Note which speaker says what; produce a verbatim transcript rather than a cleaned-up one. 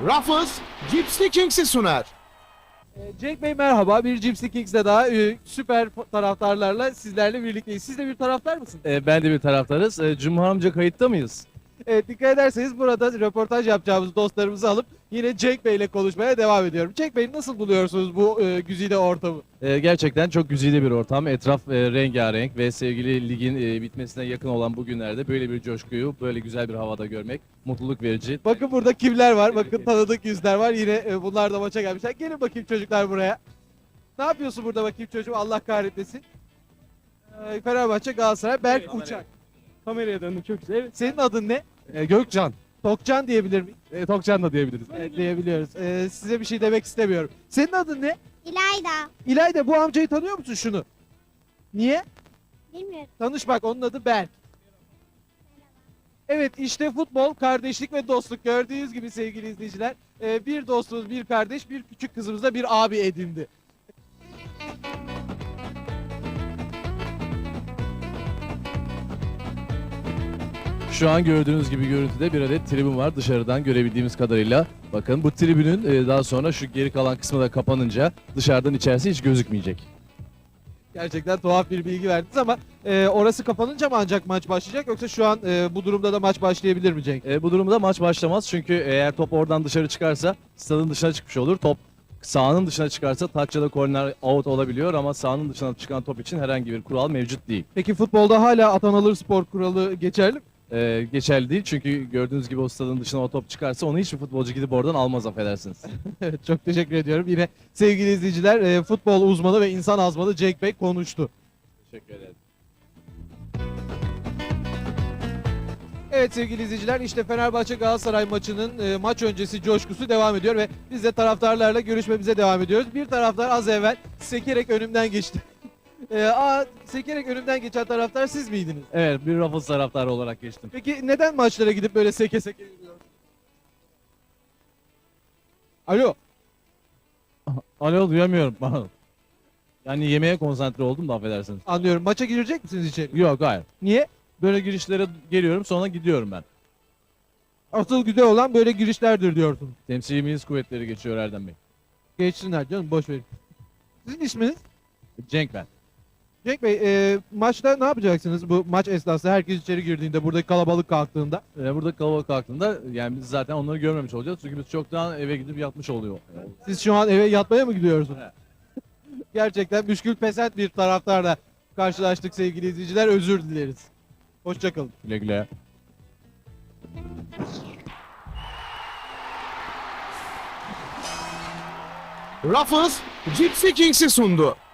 Speaker 1: Ruffles, Gypsy Kings'i sunar.
Speaker 2: Cenk Bey merhaba. Bir Gypsy Kings'le daha e, süper taraftarlarla sizlerle birlikteyiz. Siz de bir taraftar mısınız?
Speaker 3: E, ben de bir taraftarız. E, Cumhur amca kayıtta mıyız?
Speaker 2: Evet, dikkat ederseniz burada röportaj yapacağımız dostlarımızı alıp yine Cenk Bey ile konuşmaya devam ediyorum. Cenk Bey nasıl buluyorsunuz bu e, güzide ortamı?
Speaker 3: E, gerçekten çok güzide bir ortam. Etraf e, rengarenk ve sevgili ligin e, bitmesine yakın olan bu günlerde böyle bir coşkuyu, böyle güzel bir havada görmek mutluluk verici.
Speaker 2: Bakın burada kimler var? Bakın tanıdık yüzler var. Yine e, bunlar da maça gelmişler. Gelin bakayım çocuklar buraya. Ne yapıyorsun burada bakayım çocuğum? Allah kahretmesin. E, Fenerbahçe Galatasaray Berk
Speaker 4: Evet,
Speaker 2: Uçak.
Speaker 4: Kameraya döndüm çok güzel. Evet.
Speaker 2: Senin adın ne?
Speaker 4: E, Gökcan.
Speaker 2: Tokcan diyebilir miyim?
Speaker 4: E, Tokcan da diyebiliriz.
Speaker 2: Evet, diyebiliyoruz. E, size bir şey demek istemiyorum. Senin adın ne?
Speaker 5: İlayda.
Speaker 2: İlayda, bu amcayı tanıyor musun şunu? Niye?
Speaker 5: Bilmiyorum.
Speaker 2: Tanış bak, onun adı Berk. Evet, işte futbol, kardeşlik ve dostluk. Gördüğünüz gibi sevgili izleyiciler, e, bir dostumuz, bir kardeş, bir küçük kızımız da bir abi edindi.
Speaker 3: Şu an gördüğünüz gibi görüntüde bir adet tribün var dışarıdan görebildiğimiz kadarıyla. Bakın bu tribünün e, daha sonra şu geri kalan kısmı da kapanınca dışarıdan içerisi hiç gözükmeyecek.
Speaker 2: Gerçekten tuhaf bir bilgi verdiniz ama e, orası kapanınca mı ancak maç başlayacak, yoksa şu an e, bu durumda da maç başlayabilir mi Cenk?
Speaker 3: E, bu durumda maç başlamaz çünkü eğer top oradan dışarı çıkarsa stadın dışına çıkmış olur. Top sahanın dışına çıkarsa taç ya da korner out olabiliyor ama sahanın dışına çıkan top için herhangi bir kural mevcut değil.
Speaker 2: Peki futbolda hala atan alır spor kuralı geçerli mi?
Speaker 3: E, geçerli değil çünkü gördüğünüz gibi o stadın dışına o top çıkarsa onu hiçbir futbolcu gidip oradan almaz, affedersiniz.
Speaker 2: Evet, çok teşekkür ediyorum. Yine sevgili izleyiciler, e, futbol uzmanı ve insan azmanı Cenk Bey konuştu.
Speaker 3: Teşekkür ederim.
Speaker 2: Evet sevgili izleyiciler, işte Fenerbahçe Galatasaray maçının e, maç öncesi coşkusu devam ediyor ve biz de taraftarlarla görüşmemize devam ediyoruz. Bir taraftar az evvel sekerek önümden geçti. e, aa, sekerek önümden geçen taraftar siz miydiniz?
Speaker 3: Evet, bir Ruffles taraftarı olarak geçtim.
Speaker 2: Peki neden maçlara gidip böyle seke seke yürüyorsunuz? Alo.
Speaker 3: Alo, duyamıyorum. Yani yemeğe konsantre oldum da, affedersiniz.
Speaker 2: Anlıyorum. Maça girecek misiniz içeri?
Speaker 3: Yok, hayır.
Speaker 2: Niye?
Speaker 3: Böyle girişlere geliyorum, sonra gidiyorum ben.
Speaker 2: Asıl güzel olan böyle girişlerdir diyorsunuz.
Speaker 3: Temsili Milis Kuvvetleri geçiyor Erdem Bey.
Speaker 2: Geçsinler canım, boş verin. Sizin isminiz?
Speaker 3: Cenk ben.
Speaker 2: Cenk Bey, e, maçta ne yapacaksınız bu maç esnasında, herkes içeri girdiğinde, buradaki kalabalık kalktığında?
Speaker 3: Ee, burada kalabalık kalktığında yani biz zaten onları görmemiş olacağız. Çünkü biz çoktan eve gidip yatmış oluyor.
Speaker 2: Siz şu an eve yatmaya mı gidiyorsunuz?
Speaker 3: Evet.
Speaker 2: Gerçekten müşkül pesent bir taraftarla karşılaştık sevgili izleyiciler, özür dileriz. Hoşçakalın.
Speaker 3: Güle güle.
Speaker 1: Ruffles, Gypsy Kings'i sundu.